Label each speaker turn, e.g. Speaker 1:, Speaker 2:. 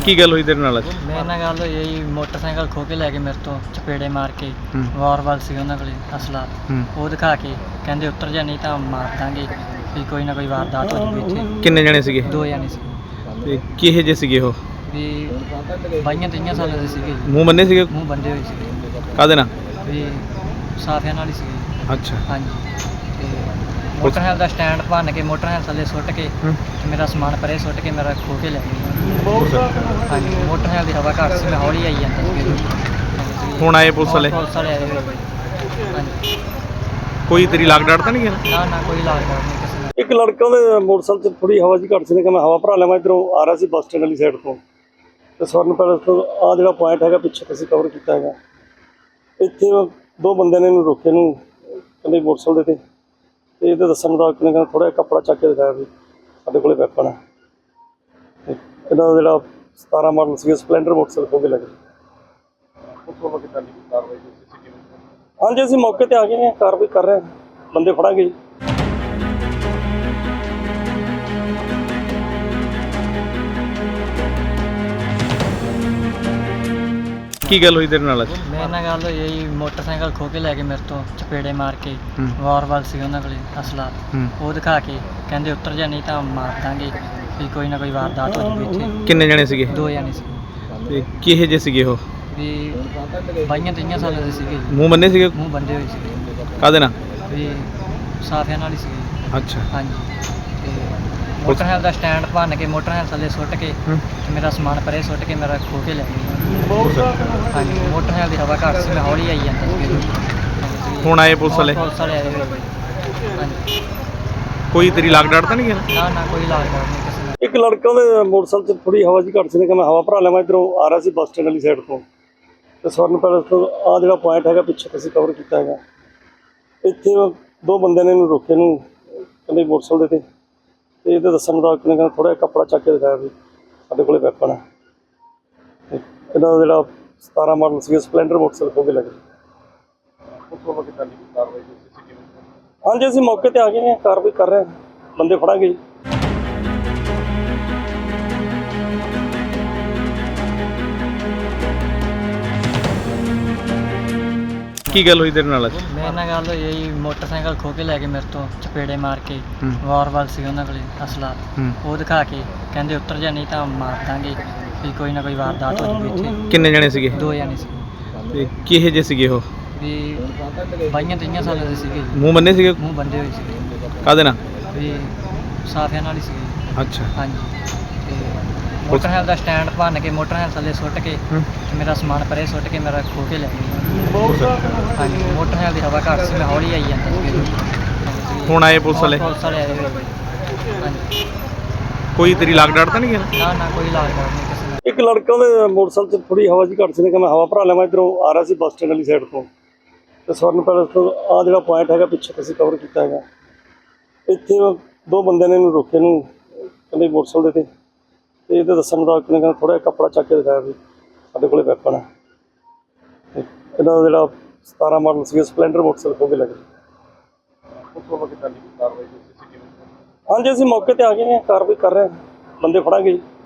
Speaker 1: ਕੀ ਗੱਲ ਹੋਈ ਤੇਰੇ ਨਾਲ ਅੱਜ?
Speaker 2: ਮੇਰੇ ਨਾਲ ਗੱਲ ਹੋਈ ਹੈ ਜੀ, ਮੋਟਰਸਾਈਕਲ ਖੋਹ ਕੇ ਲੈ ਕੇ ਮੇਰੇ ਤੋਂ ਚਪੇੜੇ ਮਾਰ ਕੇ ਵਾਰਵਾਲ ਸੀ ਉਹਨਾਂ ਕੋਲੇ ਅਸਲਾ। ਉਹ ਦਿਖਾ ਕੇ ਕਹਿੰਦੇ ਉੱਤਰ ਜਾ ਨਹੀਂ ਤਾਂ ਮਾਰ ਦਾਂਗੇ, ਵੀ ਕੋਈ ਨਾ ਕੋਈ ਵਾਰਦਾਤ ਹੋ ਜੂਗੀ ਇੱਥੇ।
Speaker 1: ਕਿੰਨੇ ਜਣੇ ਸੀਗੇ?
Speaker 2: 2 ਜਣੇ ਸੀ
Speaker 1: ਤੇ ਕਿਹੇ ਜੇ ਸੀਗੇ ਉਹ?
Speaker 2: ਵੀ 22-23 ਸਾਲਾਂ ਦੇ ਸੀਗੇ ਜੀ।
Speaker 1: ਮੂੰਹ ਬੰਨੇ ਸੀਗੇ?
Speaker 2: ਮੂੰਹ ਬੰਦੇ ਹੋਏ ਸੀਗੇ
Speaker 1: ਕਾਹਦੇ ਨਾਲ?
Speaker 2: ਵੀ ਸਾਫਿਆਂ ਨਾਲ ਹੀ ਸੀਗੇ।
Speaker 1: ਅੱਛਾ।
Speaker 2: ਹਾਂਜੀ। ਤੇ ਮੋਟਰਸਾਈਕਲ ਦਾ ਸਟੈਂਡ ਭੰਨ ਕੇ ਮੋਟਰਸਾਈਕਲ ਥੱਲੇ ਸੁੱਟ ਕੇ ਤੇ ਮੇਰਾ ਸਮਾਨ ਪਰੇ ਸੁੱਟ ਕੇ ਮੇਰਾ ਖੋਹ ਕੇ ਲੈ ਗਏ। ਹਾਂਜੀ। ਮੋਟਰਸਾਈਕਲ ਦੀ ਹਵਾ ਘੱਟ ਸੀ, ਮੈਂ ਹੌਲੀ ਆਈ ਜਾਂਦਾ ਸੀ।
Speaker 1: ਹੁਣ ਆਏ ਪੁਲਿਸ ਵਾਲੇ?
Speaker 2: ਪੁਲਿਸ ਵਾਲੇ ਆਏ ਹੋਏ। ਹਾਂਜੀ।
Speaker 1: ਕੋਈ ਤੇਰੀ ਲਾਗ ਡਾਟ ਤਾਂ ਨਹੀਂ ਗਿਆ?
Speaker 2: ਨਾ ਕੋਈ ਇਲਾਜ ਨਹੀਂ ਕਿਸੇ ਨਾਲ।
Speaker 3: ਇੱਕ ਲੜਕਾ ਉਹਦੇ ਮੋਟਰਸਾਈਕਲ 'ਚ ਥੋੜੀ ਹਵਾ ਜੀ ਘੱਟ ਸੀ ਨੇ ਕਿ ਮੈਂ ਹਵਾ ਭਰਾ ਲਵਾਂ, ਇੱਧਰੋਂ ਆ ਰਿਹਾ ਸੀ ਬੱਸ ਸਟੈਂਡ ਵਾਲੀ ਸਾਈਡ ਤੋਂ, ਤੇ ਸਵਰਨ ਪੈਲੇਸ ਤੋਂ ਆਹ ਜਿਹੜਾ ਪੁਆਇੰਟ ਹੈਗਾ ਪਿੱਛੇ ਅਸੀਂ ਕਵਰ ਕੀਤਾ ਹੈਗਾ। ਇੱਥੇ 2 ਬੰਦਿਆਂ ਨੇ ਇਹਨੂੰ ਰੋਕੇ ਨੂੰ, ਕਹਿੰਦੇ ਮੋਟਰਸਾਈਕਲ ਦੇ ਤੇ ਇਹਦੇ ਦੱਸਣ ਮੁਤਾਬਕ ਨੇ ਕਹਿੰਦਾ ਥੋੜ੍ਹਾ ਜਿਹਾ ਕੱਪੜਾ ਚੱਕ ਕੇ ਦਿਖਾਇਆ ਵੀ ਸਾਡੇ ਕੋਲੇ ਵੈਪਨ ਹੈ। ਤੇ ਇਹਨਾਂ ਦਾ ਜਿਹੜਾ 17 ਮਾਡਲ ਸੀ ਸਪਲੈਂਡਰ ਮੋਟਰਸਾਈਕਲ ਖੋਹ ਕੇ ਲੈ ਗਏ। ਹਾਂਜੀ, ਅਸੀਂ ਮੌਕੇ ਤੇ ਆ ਗਏ ਹਾਂ, ਕਾਰਵਾਈ ਕਰ ਰਹੇ ਹਾਂ, ਬੰਦੇ ਫੜਾਂਗੇ ਜੀ।
Speaker 1: ਕੀ ਗੱਲ ਹੋਈ ਤੇਰੇ ਨਾਲ ਅੱਜ?
Speaker 2: ਮੇਰੇ ਨਾਲ ਗੱਲ ਹੋਈ ਹੈ ਜੀ, ਮੋਟਰਸਾਈਕਲ ਖੋਹ ਕੇ ਲੈ ਕੇ ਮੇਰੇ ਤੋਂ ਚਪੇੜੇ ਮਾਰ ਕੇ ਵਾਰਵਾਲ ਸੀ ਉਹਨਾਂ ਕੋਲੇ ਅਸਲਾ। ਉਹ ਦਿਖਾ ਕੇ ਕਹਿੰਦੇ ਉੱਤਰ ਜਾ ਨਹੀਂ ਤਾਂ ਮਾਰ ਦਾਂਗੇ, ਵੀ ਕੋਈ ਨਾ ਕੋਈ ਵਾਰਦਾਤ ਹੋ ਜੂਗੀ ਇੱਥੇ।
Speaker 1: ਕਿੰਨੇ ਜਣੇ ਸੀਗੇ?
Speaker 2: 2 ਜਣੇ ਸੀ
Speaker 1: ਤੇ ਕਿਹੇ ਜੇ ਸੀਗੇ ਉਹ?
Speaker 2: ਵੀ 22-23 ਸਾਲਾਂ ਦੇ ਸੀਗੇ ਜੀ।
Speaker 1: ਮੂੰਹ ਬੰਨੇ ਸੀਗੇ?
Speaker 2: ਮੂੰਹ ਬੰਦੇ ਹੋਏ ਸੀਗੇ
Speaker 1: ਕਾਹਦੇ ਨਾਲ?
Speaker 2: ਵੀ ਸਾਫਿਆਂ ਨਾਲ ਹੀ ਸੀਗੇ।
Speaker 1: ਅੱਛਾ।
Speaker 2: ਹਾਂਜੀ। ਤੇ ਮੋਟਰਸਾਈਕਲ ਦਾ ਸਟੈਂਡ ਭੰਨ ਕੇ ਮੋਟਰਸਾਈਕਲ ਥੱਲੇ ਸੁੱਟ ਕੇ ਤੇ ਮੇਰਾ ਸਮਾਨ ਪਰੇ ਸੁੱਟ ਕੇ ਮੇਰਾ ਖੋਹ ਕੇ ਲੈ ਗਏ। ਹਾਂਜੀ। ਮੋਟਰਸਾਈਕਲ ਦੀ ਹਵਾ ਘੱਟ ਸੀ, ਮੈਂ ਹੌਲੀ ਆਈ ਜਾਂਦਾ ਸੀ।
Speaker 1: ਹੁਣ ਆਏ ਪੁਲਿਸ ਵਾਲੇ?
Speaker 2: ਪੁਲਿਸ ਵਾਲੇ ਆਏ ਹੋਏ। ਹਾਂਜੀ।
Speaker 1: ਕੋਈ ਤੇਰੀ ਲਾਗ ਡਾਟ ਤਾਂ ਨਹੀਂ ਗਿਆ?
Speaker 2: ਨਾ ਕੋਈ ਇਲਾਜ ਨਹੀਂ ਕਿਸੇ ਨਾਲ।
Speaker 3: ਇੱਕ ਲੜਕਾ ਉਹਦੇ ਮੋਟਰਸਾਈਕਲ 'ਚ ਥੋੜੀ ਹਵਾ ਜੀ ਘੱਟ ਸੀ ਨੇ ਕਿ ਮੈਂ ਹਵਾ ਭਰਾ ਲਵਾਂ, ਇੱਧਰੋਂ ਆ ਰਿਹਾ ਸੀ ਬੱਸ ਸਟੈਂਡ ਵਾਲੀ ਸਾਈਡ ਤੋਂ, ਤੇ ਸਵਰਨ ਪੈਲੇਸ ਤੋਂ ਆਹ ਜਿਹੜਾ ਪੁਆਇੰਟ ਹੈਗਾ ਪਿੱਛੇ ਅਸੀਂ ਕਵਰ ਕੀਤਾ ਹੈਗਾ। ਇੱਥੇ 2 ਬੰਦਿਆਂ ਨੇ ਇਹਨੂੰ ਰੋਕੇ ਨੂੰ, ਕਹਿੰਦੇ ਮੋਟਰਸਾਈਕਲ ਦੇ ਤੇ ਇਹਦੇ ਦੱਸਣ ਮੁਤਾਬਕ ਨੇ ਕਹਿੰਦਾ ਥੋੜ੍ਹਾ ਜਿਹਾ ਕੱਪੜਾ ਚੱਕ ਕੇ ਦਿਖਾਇਆ ਵੀ ਸਾਡੇ ਕੋਲੇ ਵੈਪਨ ਹੈ। ਤੇ ਇਹਨਾਂ ਦਾ ਜਿਹੜਾ 17 ਮਾਡਲ ਸੀ ਸਪਲੈਂਡਰ ਮੋਟਰਸਾਈਕਲ ਖੋਹ ਕੇ ਲੈ ਗਏ। ਹਾਂਜੀ, ਅਸੀਂ ਮੌਕੇ ਤੇ ਆ ਗਏ ਹਾਂ, ਕਾਰਵਾਈ ਕਰ ਰਹੇ ਹਾਂ, ਬੰਦੇ ਫੜਾਂਗੇ ਜੀ।
Speaker 1: ਕੀ ਗੱਲ ਹੋਈ ਤੇਰੇ ਨਾਲ ਅੱਜ?
Speaker 2: ਮੇਰੇ ਨਾਲ ਗੱਲ ਹੋਈ ਹੈ ਜੀ, ਮੋਟਰਸਾਈਕਲ ਖੋਹ ਕੇ ਲੈ ਕੇ ਮੇਰੇ ਤੋਂ ਚਪੇੜੇ ਮਾਰ ਕੇ ਵਾਰਵਾਲ ਸੀ ਉਹਨਾਂ ਕੋਲੇ ਅਸਲਾ। ਉਹ ਦਿਖਾ ਕੇ ਕਹਿੰਦੇ ਉੱਤਰ ਜਾ ਨਹੀਂ ਤਾਂ ਮਾਰ ਦਾਂਗੇ, ਵੀ ਕੋਈ ਨਾ ਕੋਈ ਵਾਰਦਾਤ ਹੋ ਜੂਗੀ ਇੱਥੇ।
Speaker 1: ਕਿੰਨੇ ਜਣੇ ਸੀਗੇ?
Speaker 2: 2 ਜਣੇ ਸੀ
Speaker 1: ਤੇ ਕਿਹੇ ਜੇ ਸੀਗੇ ਉਹ?
Speaker 2: ਵੀ 22-23 ਸਾਲਾਂ ਦੇ ਸੀਗੇ ਜੀ।
Speaker 1: ਮੂੰਹ ਬੰਨੇ ਸੀਗੇ?
Speaker 2: ਮੂੰਹ ਬੰਦੇ ਹੋਏ ਸੀਗੇ
Speaker 1: ਕਾਹਦੇ ਨਾਲ?
Speaker 2: ਵੀ ਸਾਫਿਆਂ ਨਾਲ ਹੀ ਸੀਗੇ।
Speaker 1: ਅੱਛਾ।
Speaker 2: ਹਾਂਜੀ। ਤੇ ਮੋਟਰਸਾਈਕਲ ਦਾ ਸਟੈਂਡ ਭੰਨ ਕੇ ਮੋਟਰਸਾਈਕਲ ਥੱਲੇ ਸੁੱਟ ਕੇ ਤੇ ਮੇਰਾ ਸਮਾਨ ਪਰੇ ਸੁੱਟ ਕੇ ਮੇਰਾ ਖੋਹ ਕੇ ਲੈ ਗਏ। ਹਾਂਜੀ। ਮੋਟਰਸਾਈਕਲ ਦੀ ਹਵਾ ਘੱਟ ਸੀ, ਮੈਂ ਹੌਲੀ ਆਈ ਜਾਂਦਾ ਸੀ।
Speaker 1: ਹੁਣ ਆਏ ਪੁਲਿਸ ਵਾਲੇ?
Speaker 2: ਪੁਲਿਸ ਵਾਲੇ ਆਏ ਹੋਏ। ਹਾਂਜੀ।
Speaker 1: ਕੋਈ ਤੇਰੀ ਲਾਗ ਡਾਟ ਤਾਂ ਨਹੀਂ ਗਿਆ?
Speaker 2: ਨਾ ਕੋਈ ਇਲਾਜ ਨਹੀਂ ਕਿਸੇ ਨਾਲ।
Speaker 3: ਇੱਕ ਲੜਕਾ ਉਹਦੇ ਮੋਟਰਸਾਈਕਲ 'ਚ ਥੋੜੀ ਹਵਾ ਜੀ ਘੱਟ ਸੀ ਨੇ ਕਿ ਮੈਂ ਹਵਾ ਭਰਾ ਲਵਾਂ, ਇੱਧਰੋਂ ਆ ਰਿਹਾ ਸੀ ਬੱਸ ਸਟੈਂਡ ਵਾਲੀ ਸਾਈਡ ਤੋਂ, ਤੇ ਸਵਰਨ ਪੈਲੇਸ ਤੋਂ ਆਹ ਜਿਹੜਾ ਪੁਆਇੰਟ ਹੈਗਾ ਪਿੱਛੇ ਅਸੀਂ ਕਵਰ ਕੀਤਾ ਹੈਗਾ। ਇੱਥੇ 2 ਬੰਦਿਆਂ ਨੇ ਇਹਨੂੰ ਰੋਕੇ ਨੂੰ, ਕਹਿੰਦੇ ਮੋਟਰਸਾਈਕਲ ਦੇ ਤੇ ਇਹਦੇ ਦੱਸਣ ਮੁਤਾਬਕ ਨੇ ਕਹਿੰਦਾ ਥੋੜ੍ਹਾ ਜਿਹਾ ਕੱਪੜਾ ਚੱਕ ਕੇ ਦਿਖਾਇਆ ਵੀ ਸਾਡੇ ਕੋਲੇ ਵੈਪਨ ਹੈ। ਤੇ ਇਹਨਾਂ ਦਾ ਜਿਹੜਾ 17 ਮਾਡਲ ਸੀ ਸਪਲੈਂਡਰ ਮੋਟਰਸਾਈਕਲ ਖੋਹ ਕੇ ਲੈ ਗਏ। ਹਾਂਜੀ, ਅਸੀਂ ਮੌਕੇ ਤੇ ਆ ਗਏ ਹਾਂ, ਕਾਰਵਾਈ ਕਰ ਰਹੇ ਹਾਂ, ਬੰਦੇ ਫੜਾਂਗੇ ਜੀ।